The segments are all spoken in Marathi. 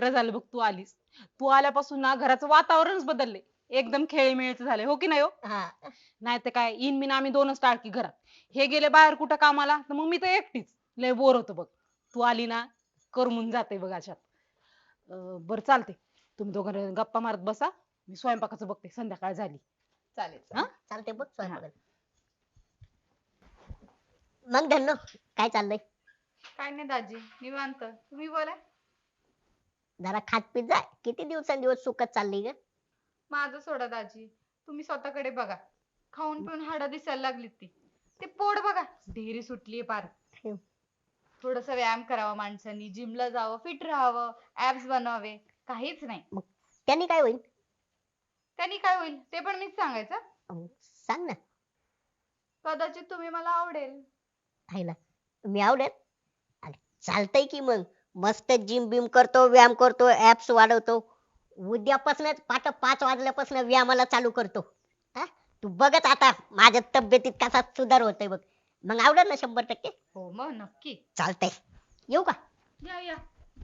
बरं झालं बघ तू आलीस. तू आल्यापासून ना घराचं वातावरणच बदलले. एकदम खेळीमेळीचं झालंय हो की नाही हो? हा. नाही तर काय इन बिन आम्ही दोनच टाळकी घरात. हे गेले बाहेर कुठं कामाला तर मग मी तर एकटीच. लय बोर होतं बघ. तू आली ना करमून जाते बघ अशात. बरं चालते. तुम्ही दोघं गप्पा मारत बसा. मी स्वयंपाकाचं बघते संध्याकाळ झाली. चालेल हा? चालेल. चालते बघ हा. स्वयंपाक. मग धन्नो काय चाललंय? काय नाही दाजी निवांत तुम्ही बोला. जरा खात पीत जा. किती दिवसांदिवस सुखच चालली ग. माझं सोडा दाजी. तुम्ही स्वतःकडे बघा. खाऊन पिऊन हाडं दिसायला लागलीत ती. ते पोट बघा ढेरी सुटलीये पार. थोडस व्यायाम करावा माणसांनी, जिमला जावं, फिट राहावं, ऍब्स बनवावे. काहीच नाही. मग त्यांनी काय होईल? त्यांनी काय होईल ते पण मीच सांगायचं. सांग ना. कदाचित तुम्ही मला आवडेल. आईला मी आवडेल. अरे चालतंय की मग. मस्त जिम बिम करतो, व्यायाम करतो, ऍप्स वाढवतो. उद्यापासूनच 5 वाजल्यापासून व्यायामाला चालू करतो. हा? तू बघत आता माझ्या तब्येतीत कसा सुधार होतोय बघ. मग आवडेल ना 100%. हो मग नक्की. चालतंय. येऊ का? या या.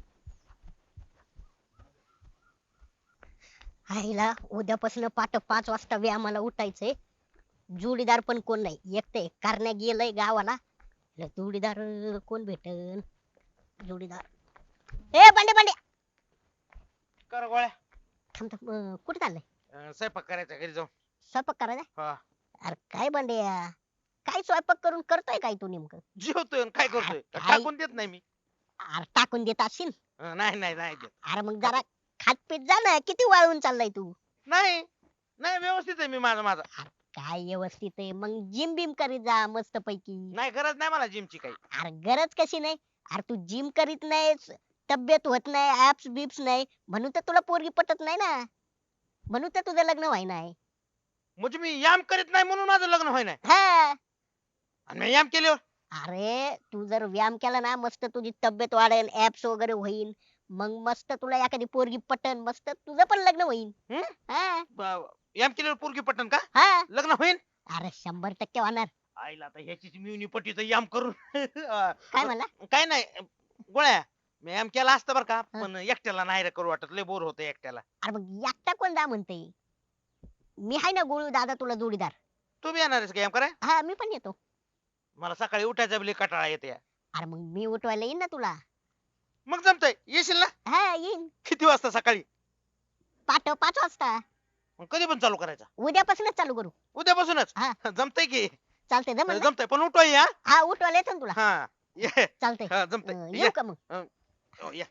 आईला उद्यापासून 5 वाजता व्यायामाला उठायचंय. जोडीदार पण कोण नाही, एकटे करण्या गेलंय गावाला. ला जोडीदार कोण भेटन? जोडीदार ए बंडे बंडे कर गोळ्या. थांब थांब कुठे चाललंय? स्वयंपाक करायचा घरी जाऊन. स्वयंपाक करायचा? हा. अरे काय बंडे काय स्वयंपाक करून करतोय काय तू नेमकं? जेवतोय आणि काय करतोय? काय? टाकून देत नाही मी. अरे टाकून देत असशील. नाही नाही नाही देत. अरे मग जरा खात पीत जा ना. किती वाळून चाललाय तू? नाही नाही व्यवस्थित आहे मी माझा. अरे काय व्यवस्थित आहे मग जिम बिम करीत जा मस्त पैकी. नाही गरज नाही मला जिमची काही. अरे गरज कशी नाही? अरे तू जिम करीत नाहीस, तब्येत होत नाही, ऍप्स बिप्स नाही, म्हणून तर तुला पोरगी पटत नाही ना. म्हणून तर तुझं लग्न व्हाय नाही. म्हणजे मी व्यायाम करीत नाही म्हणून माझं लग्न होय नाही. हा. आणि मी व्यायाम केल्यावर अरे तू जर व्यायाम केला ना मस्त तुझी तब्येत वाढेल, ऍप्स वगैरे होईल. मग मस्त तुला एखादी पोरगी पटन, मस्त तुझं पण लग्न होईल. हं? हा. व्यायाम केल्यावर पोरगी पटन का? हा. लग्न होईल? अरे 100% होणार. आईला आता ह्याचीच मिळून पटीचं व्यायाम करून काय म्हणला? काय नाही गोळ्या मी व्यायाम केला असतं बरं का हा. पण एकट्याला नाही रे करू वाटत लय बोर होतं एकट्याला. अरे मग एकटा कोण जा म्हणते? मी आहे ना गोळू दादा तुला जोडीदार. तू बी येणार आहेस का व्यायाम कराय? हा मी पण येतो. मला सकाळी उठायचा बी लय कंटाळा येते. अरे मग मी उठवायला येईन ना तुला. मग जमतंय येशील ना? हा येईन. किती वाजता सकाळी? 5 वाजता. मग कधी पण चालू करायचा? उद्यापासूनच चालू करू. उद्यापासूनच? हा. जमतंय की. चालतंय जमल ना? जमतंय पण उठवाय या. हा उठवायला येतो ना तुला. हा ये. चालतंय. हा जमतंय येऊ का मग? हो, या.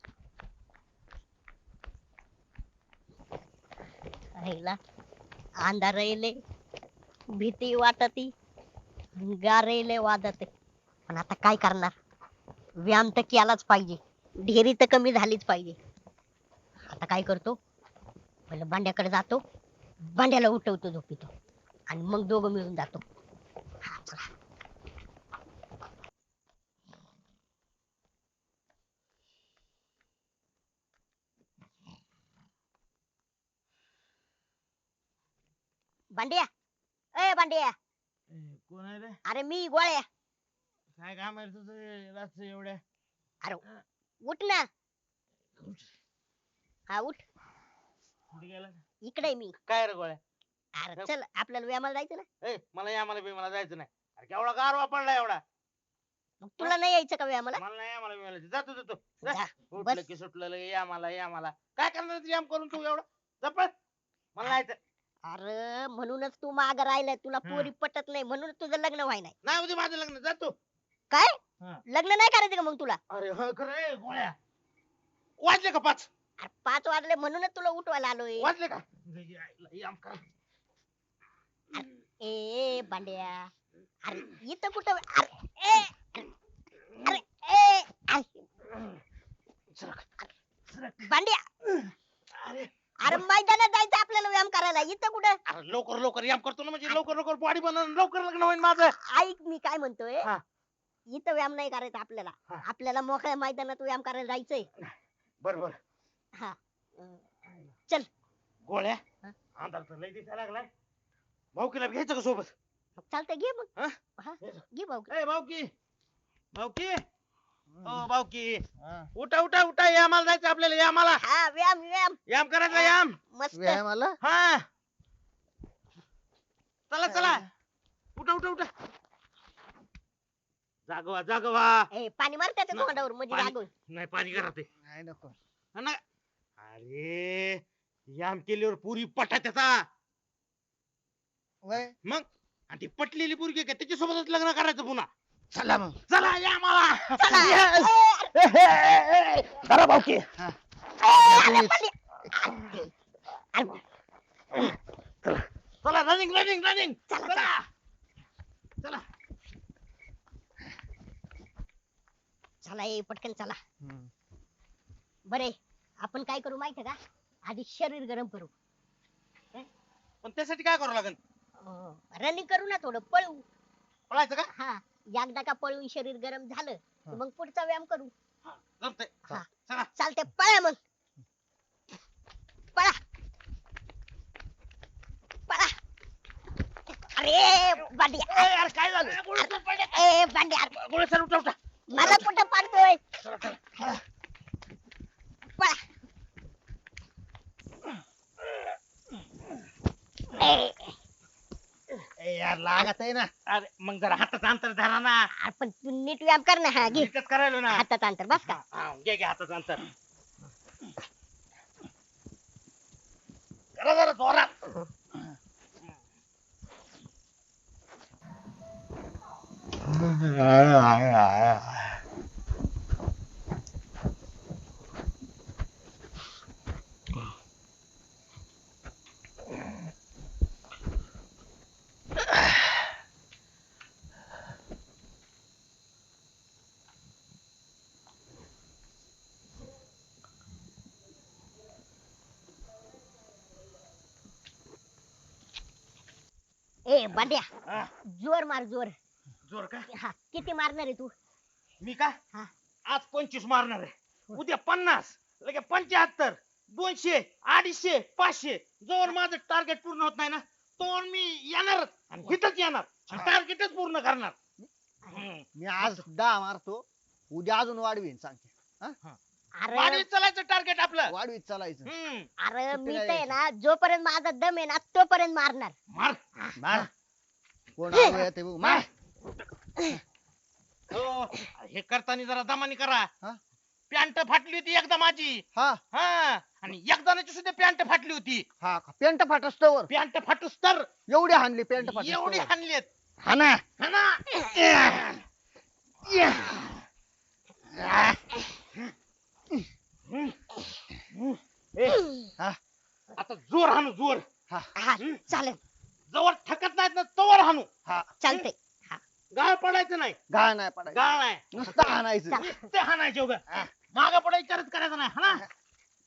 राहिला अंधार येले, भीती वाटती, गारेले वाजते. पण आता काय करणार? व्यायाम तर केलाच पाहिजे. ढेरी तर कमी झालीच पाहिजे. आता काय करतो? पहिलं बांड्याकडे जातो, बांड्याला उठवतो झोपीतो आणि मग दोघं मिळून जातो. हा, चला. बांड्या ए बांड्या. कोण आहे रे? अरे मी गोळ्या. काय काम आहे तुझं रात्र एवढ्या? अरे उठ ना. हा उठ. कुठे गेला? इकडे आहे मी. काय रे गोळ्या? अरे चल आपल्याला व्यायामाला जायचं ना. मला या मला बी मला जायचं नाही. अरे केवढा गारवा पडला एवढा. मग तुला नाही यायचं का व्यायामाला? मला नाही आम्हाला मिळालं जातो जातो जा. उठलं बस. की सुटलं लगे या मला काय करणार तू व्यायाम करून तू एवढं जपळ मला नाही जायचं. अरे म्हणूनच तू माग राहिलाय. तुला पोरी पटत नाही म्हणून तुझं लग्न व्हाय नाही. नाही उद्या माझं लग्न जातो. काय? हा. लग्न नाही करायचं का मग तुला? अरे हो खरं गोळ्या वाजले का 5? अरे 5 वाजले म्हणूनच तुला उठवायला आलोय. वाजले का? व्यायाम कर. ए बांड्या. अरे इथं कुठं अरे अरे ए सरक, सरक. बांड्या. अरे अरे मैदानात जायचं आपल्याला व्यायाम करायला. इथं कुठं? अरे लवकर व्यायाम करतो ना म्हणजे लवकर बॉडी बनवून लवकर लग्न होईल माझं. ऐक मी काय म्हणतोय. हा. इथं व्यायाम नाही करायचा आपल्याला. हा. आपल्याला मोकळ्या मैदानात व्यायाम करायला जायचंय. बर हा. चल. गोळ्या हा? अंधार तर लय दिसायला लागलाय. भाऊकीला घ्यायचं का सोबत? चालतंय घे मग. हा? हा घे भाऊ. ए भाऊकी हो भाऊकी हा. उठा उठा उठा यामाला जायचं आपल्याला यामाला हा व्यायाम व्यायाम याम करायचा याम मस्त व्यायामाला हा चला चला उठा उठा उठा जागवा जागवा ए पाणी मार त्याच्या नाही, तोंडावर म्हणजे पाणी- जागून नाही पाणी करा ते नाही नको हा ना. अरे याम केल्यावर पुरी पटा त्याचा वय मग आणि ती पटलेली पोरगी आहे का त्याच्यासोबतच लग्न करायचं पुन्हा चला मग चला या मला चला भाऊकी चला रनिंग रनिंग रनिंग चला चला चला ए पटकन चला बरे आपण काय करू माहितीये का आधी शरीर गरम करू पण त्यासाठी काय करावं लागेल रनिंग करू ना थोडं पळू पळायचं का हा एकदा का पळून शरीर गरम झालं की मग पुढचा व्यायाम करू जमतंय हा. चला चालते पळा मग पळा पळा अरे बांडिया ए, यार काय झालं ए बांडिया गोळे सर उठा उठा मला कुठं पाडतोय पळा ए, ए यार लागत आहे ना अरे मग जरा हाताचं अंतर धरा ना आपण तू नीट व्यायाम कर ना हा घे नीटच करायलो ना हातात अंतर बस का हा, घे घे हाताचं अंतर करा जरा जोरात ए बांड्या हा, जोर मार जोर जोर का हा किती मारणार आहे तू मी का हा. आज 25 मारणार आहे उद्या 50 लगे 75 200 250 500 जोर माझं टार्गेट पूर्ण होत नाही ना तो मी येणारच आणि इथंच येणार टार्गेटच पूर्ण करणार हम्म. मी आज 10 मारतो उद्या अजून वाढवीन सांगते अरे वाढीत चालायचं टार्गेट आपलं वाढवीत चालायचं हम्म. अरे सुट्टी मी नाही तर आहे ना जोपर्यंत माझा दम आहे ना तोपर्यंत मारणार मार मार कोण आलो येते बघ मार हो हे करताना जरा दमानी करा हा? पॅन्ट फाटली होती एकदा माझी हा हा आणि एकदाची सुद्धा पॅन्ट फाटली होती हा पेंट फाटस्तवर पॅन्ट फाटूस तर एवढी हाणली पेंट एवढी फाटस्तवर हाणलीत हा ना हा ना ए, हा आता जोर हाणू जोर हा हा चालेल जवळ थकत नाहीत ना तवर हाणू हा चालतंय गाळ पडायचं नाही गाळ नाही पडायचं गाळ नाही नुसतं हाणायचं चला. ते हाणायचे उगा माग पडा विचारच करायचा नाही हा ना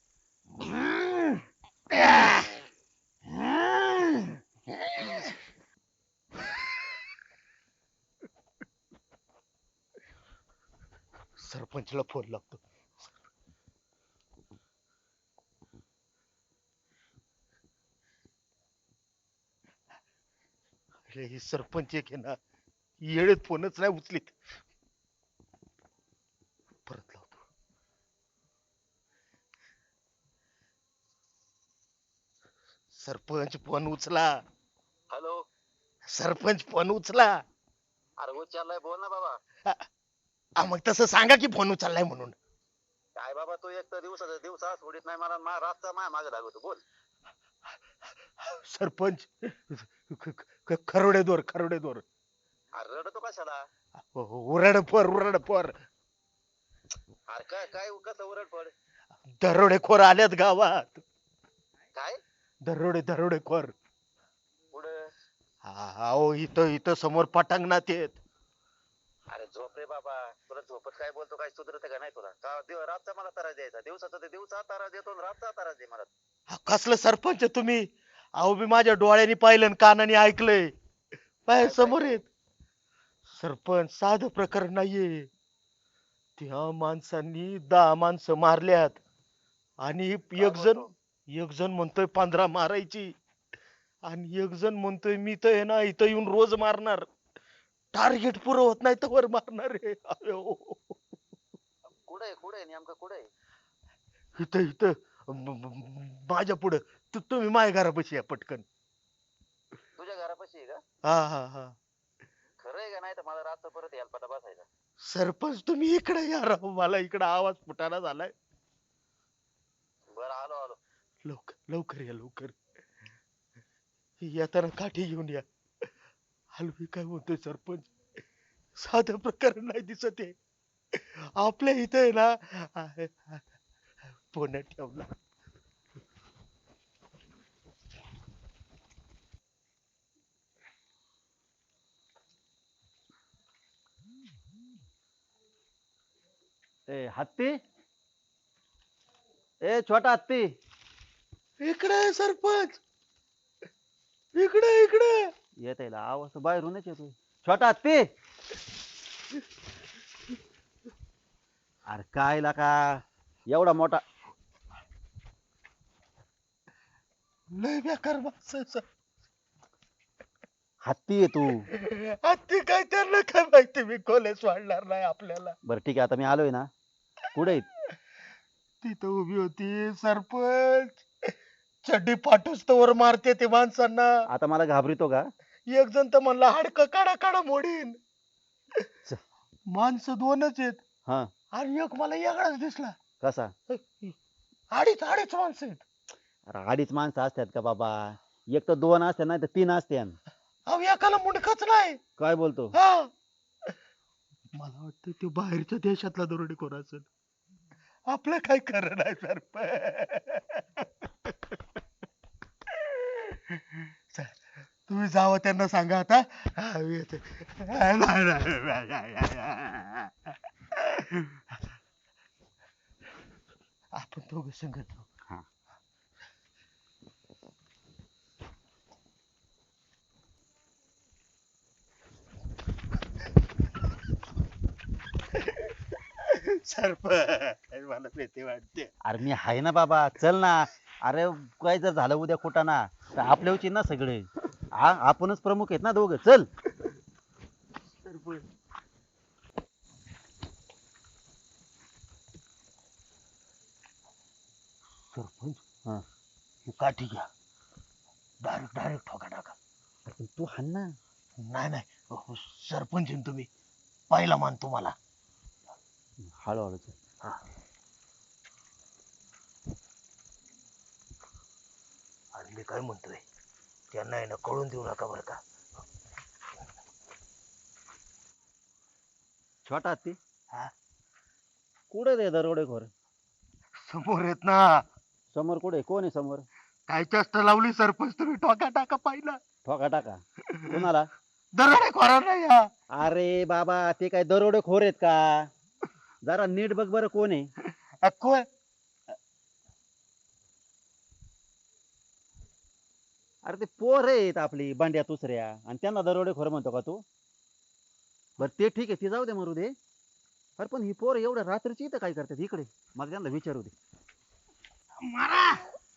सरपंचला फोन लागतो अरे ही सरपंच एक आहे ना येळेत फोनच नाही उचलीत परत लावतो सरपंच फोन उचला हॅलो सरपंच फोन उचला अरे उचललाय बोल ना बाबा मग तसं सांगा की फोन उचललाय म्हणून काय बाबा तू एक तर दिवसा सोडित नाही मला रातचा माया मागे लागतो बोल सरपंच खरोडे दोर खरोडे दोर अरे रडतो कशाला उरड पोर अरे काय काय कसं उरड पड दरोडेखोर आल्यात गावात काय दरोडेखोर पुढं अहो इथं इथं समोर पटांगणात येत अरे झोप रे बाबा तुला झोपत काय बोलतो काय सुधरत का नाही तुला रातचा मला तारा द्यायचा दिवसाचा ते दिवसा तारा देतो आणि रातचा तारा दे मला कसलं सरपंच तुम्ही अहो मी माझ्या डोळ्यांनी पाहिलं आणि कानाने ऐकलंय पाय समोर येत सरपंच साधं प्रकरण नाहीये त्या माणसांनी 10 माणसं मारल्यात आणि एक जण म्हणतोय 15 मारायची आणि एक जण म्हणतोय मी तर आहे ना इथं येऊन रोज मारणार टार्गेट पुरं होत नाही तर वर मारणार आहे अयो. कुठे नेमकं कुठे इथं इथं माझ्या पुढं तुम्ही माझ्या घरापाशी या पटकन. तुझ्या घरापाशी आहे का हा हा हा. खरं आहे का नाही तर मला रातचं परत यायला पटा बसायचा सरपंच तुम्ही इकडे या राव, मला इकडे आवाज फुटायला झालाय. बरं आलो आलो लवकर लवकर या लवकर. येताना काठी घेऊन या. हलवी काय म्हणतोय सरपंच, साधं प्रकरण नाही दिसत आहे. आपल्या इथे आहे ना पुण्यात ठेवला. ए हत्ती, ए छोटा हत्ती, इकडे आहे सरपंच, इकडे इकडे. येत आहे आवाज बाहेरूनच येतोय. छोटा हत्ती, अरे काय का एवढा मोठा लय बेकार माणसं आहे, हत्ती आहे तू. हत्ती काय त्यांना काय माहिती, मी कॉलेज वाढणार नाही आपल्याला. बरं ठीक आहे, आता मी आलोय ना. कुठे आहेत? तिथं उभी होती सरपंच, चड्डी पाठवूच तर मारते ते माणसांना. आता मला घाबरितो का? एक जण तर म्हणला हाडकं काढा काढा मोडीन. माणसं दोनच आहेत हा, आणि एक मला वेगळाच दिसला. कसा? अडीच अडीच माणसं आहेत. अरे अडीच माणसं असतात का बाबा? एक तर दोन असतात, नाही तर तीन असतात. अहो एकाला मुंडकच नाही. काय बोलतो? हा, मला वाटतं ते बाहेरच्या देशातला दरोडेखोर असेल. आपलं काय खरं नाही सरपंच. तुम्ही जावं त्यांना सांगा आता. हा, मी येते. आपण दोघं संगत जाऊ. हा. सरपंच मला भीती वाटते. अरे मी आहे ना बाबा, चल ना. अरे काय जर झालं उद्या कुठं ना, तर आपल्यावरची ना सगळे. आपणच प्रमुख आहेत ना दोघं. चल. सरपंच सरपंच हा. ही काठी घ्या, डायरेक्ट डायरेक्ट ठोका टाका. पण तू हाण ना. नाही नाही, सरपंच आहे ना तुम्ही, पहिला मान तुम्हाला. हळूहळू चल. हा. आणि मी काय म्हणतोय, त्यांना आहे ना कळून देऊ नका बरं का. छोटा हत्ती, हा? कुठे ते दरोडेखोर? समोर येत ना. समोर कुठे? कोण आहे समोर? काय चेष्टा लावली सरपंच तुम्ही, ठोका टाका पहिला. ठोका टाका. कोणाला? दरोडेखोरा नाही या. अरे बाबा, ते काय दरोडेखोर आहेत का? जरा नीट बघ बरं कोण आहे. कोण? अरे ते पोर आहेत आपली बांड्या दुसऱ्या, आणि त्यांना दरोडेखोर म्हणतो का तू? बर ते ठीक आहे, ती जाऊ दे, मरू दे. अरे पण ही पोर एवढ्या रात्रीची इथं काय करतात इकडे? मला त्यांना विचारू दे. मारा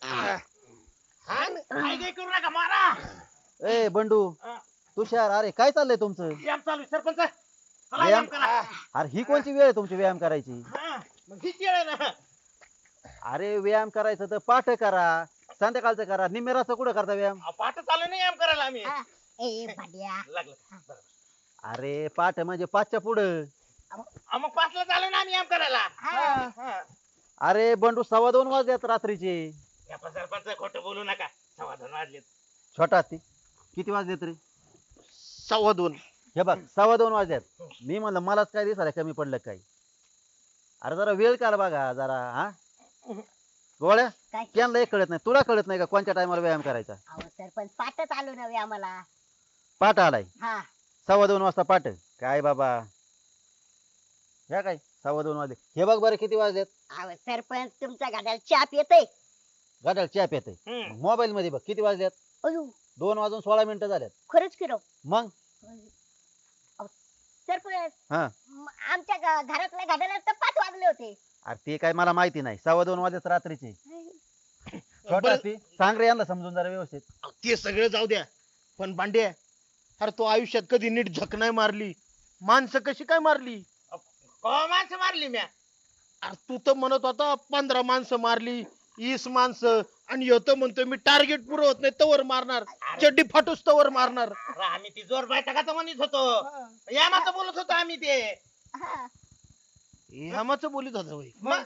काय काय करू नका, मारा. ए बंडू, तुषार, अरे काय चाललंय तुमचं? व्यायाम चालू आहे, सरपंच चला व्यायाम? व्यायाम करा. अरे ही कोणची वेळ आहे तुमची व्यायाम करायची? हा, मग हीच वेळ आहे ना. अरे व्यायाम करायचं तर पाठ करा, संध्याकाळचं करा. निमेराचं कुठं करता व्यायाम? पाठ चालू नाही व्यायाम करायला आम्ही. हा. ए भाड्या, लागलं बरोबर. अरे पाठ म्हणजे पाचच्या पुढं. मग 5ला चालू ना आम्ही व्यायाम करायला. हा. हा. अरे बंडू, 2:15 वाजल्यात रात्रीचे. या पण सरपंच खोटं बोलू नका, 2:15 वाजलेत. छोटा हत्ती, किती वाजलेत रे? 2:15. हे बघ, 2:15 वाजल्यात. मी म्हणलं मलाच काय दिसायला कमी पडलं काय? अरे जरा वेळ काढ बघा जरा. हा गोळ्या, काय? त्यांना एक कळत नाही, तुला कळत नाही का कोणत्या टायमाला व्यायाम करायचा? अहो सरपंच, पाठच आलो नव्हे आम्हाला. पाठ आलाय हा. 2:15 वाजता पाठ. काय बाबा, ह्या काय 2:15 वाजले? हे बघ बरं किती वाजलेत. अहो सरपंच, तुमच्या गाड्याला चाप येते. गाड्याला चॅप येते. हम्म. मोबाईल मध्ये बघ किती वाजल्यात. अयो, 2:16 झाल्यात. खरंच की राव. मग अहो, सरपंच, हा, आमच्या घरातल्या गाड्याला तर 5 वाजले होते. अरे ते काय मला माहिती नाही. 2:15 वाजलेत रात्रीचे. छोटा बरं. हत्ती, सांग रे यांना समजून जरा व्यवस्थित. ते सगळं जाऊ द्या, पण बांडे, अरे तो आयुष्यात कधी नीट झक नाही मारली, माणसं कशी काय मारली? माणसं मारली म्या. अरे तू तर म्हणत होता 15 माणसं मारली 20 माणसं आणि ह्यो तर म्हणतोय मी टार्गेट पुरं होत नाही तवर मारणार चड्डी फाटूस तवर मारणार. अरे आम्ही ती जोर बैठकाचं म्हणत होतो यामाचं बोलत होतो आम्ही ते हा. ह्यामाचं बोलीत होता होय. मग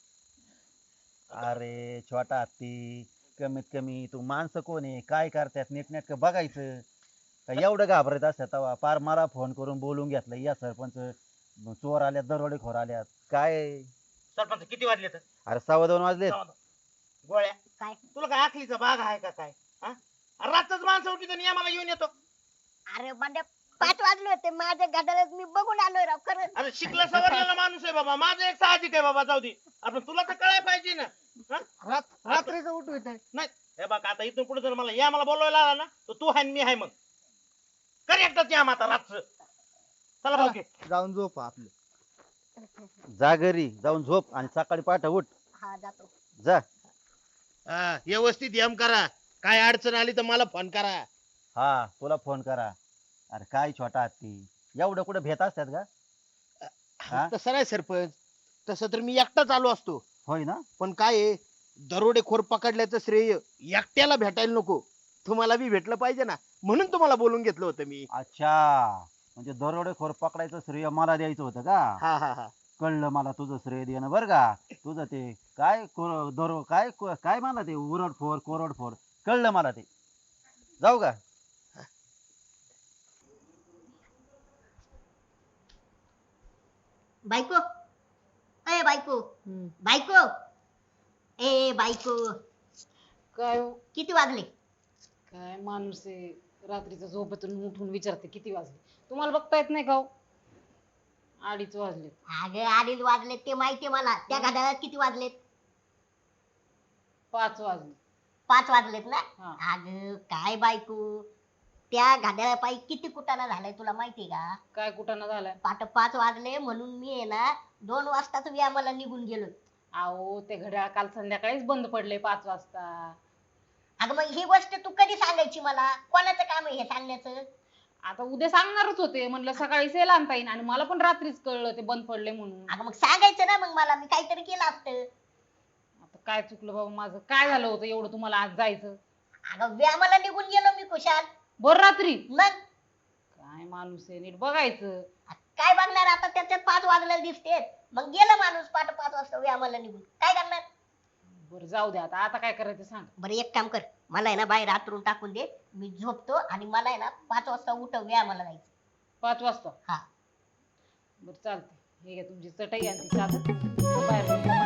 अरे छोटा हत्ती, कमीत कमी तू माणसं कोण आहे काय करतात नीटनेटकं बघायचं. का एवढं घाबरत असतात तेव्हा पार मला फोन करून बोलून घेतलं या सरपंच चोर आल्यात दरोडेखोर आल्यात काय. सरपंच किती वाजले तर अरे 2:15 वाजलेत. गोळ्या काय? तुला काय आखलीचा बाग आहे का काय हा? अरे रातच माणसं उठली तर आम्हाला घेऊन येतो. अरे बंड्या 5 वाजले होते माझ्या गाड्याला मी बघून आलोय राव खरंच. अरे शिकला सवरलेला माणूस आहे बाबा माझं एक साहजिक आहे बाबा जाऊ दे. आपण तुला तर कळायला पाहिजे ना हा? रात्रीचं उठवीत आहे. नाही हे बघ आता इथून पुढे जर मला या मला बोलवायला आला ना तर तू आहे आणि मी आहे मग कर एकटाच या आता रातच चला भाऊ जाऊन झोप आपलं. जा घरी जाऊन झोप आणि सकाळी पहाटे उठ. हा जातो. जा. हा, व्यवस्थित यम करा काय अडचण आली तर मला फोन करा. हा तुला फोन करा. अरे काय छोटा हत्ती एवढं कुठे भेट असतात का. हा? तसं नाही सरपंच तसं तर मी एकटाच आलो असतो होय ना. पण काय आहे दरोडेखोर पकडल्याचं श्रेय एकट्याला भेटायला नको तुम्हाला बी भेटलं पाहिजे ना म्हणून तुम्हाला बोलून घेतलं होतं मी. अच्छा म्हणजे दरोडेखोर पकडायचं श्रेय मला द्यायचं होतं का. हा हा हा कळलं मला तुझं श्रेय देणं बरं का. तुझं ते काय काय मला ते उरडफोर कोरडफोर कळलं मला ते. जाऊ का. बायको ए बायको हम्म. बायको ए बायको काय हो? किती वाजले. काय माणूस आहे रात्रीचं झोपेतून उठून विचारते किती वाजले. तुम्हाला बघता येत नाही का हो? 2:30 वाजले. अगं 2:30 वाजलेत ते माहितीये मला. त्या घड्याळात किती वाजलेत. 5 वाजले. 5 वाजलेत ना. हा. अगं काय बायको त्या घड्याळापायी किती कुटाणा झालाय तुला माहितीये का. काय कुठाना झालाय. पाट 5 वाजले म्हणून मी आहे ना 2 वाजताच व्यायामाला निघून गेलो. अहो ते घड्याळ काल संध्याकाळीच बंद पडले 5 वाजता. अगं मग ही गोष्ट तू कधी सांगायची मला. कोणाचं काम आहे हे सांगण्याचं. आता उद्या सांगणारच होते म्हणलं सकाळी सेल आणता येईल आणि मला पण रात्रीच कळलं ते बंद पडले म्हणून. अगं मग सांगायचं ना मग मला मी काहीतरी केलं असतं. आता काय चुकलं बाबा माझं काय झालं होतं एवढं तुम्हाला आज जायचं. अगं व्यायामाला निघून गेलो मी खुशाल. बरं रात्री मग काय माणूस आहे नीट बघायचं. काय बघणार आता त्याच्यात 5 वाजलेले दिसते. मग गेलं माणूस पाठ 5 वाजता व्यायामाला निघून काय करणार. बरं जाऊ द्या आता काय करायचं सांग. बरं एक काम कर मला आहे ना बाहेर हातरून टाकून दे. मी झोपतो आणि मला आहे ना 5 वाजता उठव व्यायामाला जायचं. 5 वाजता हा. बरं चालते हे घ्या तुमची चटई आणि ती चादर बाहेर जाऊन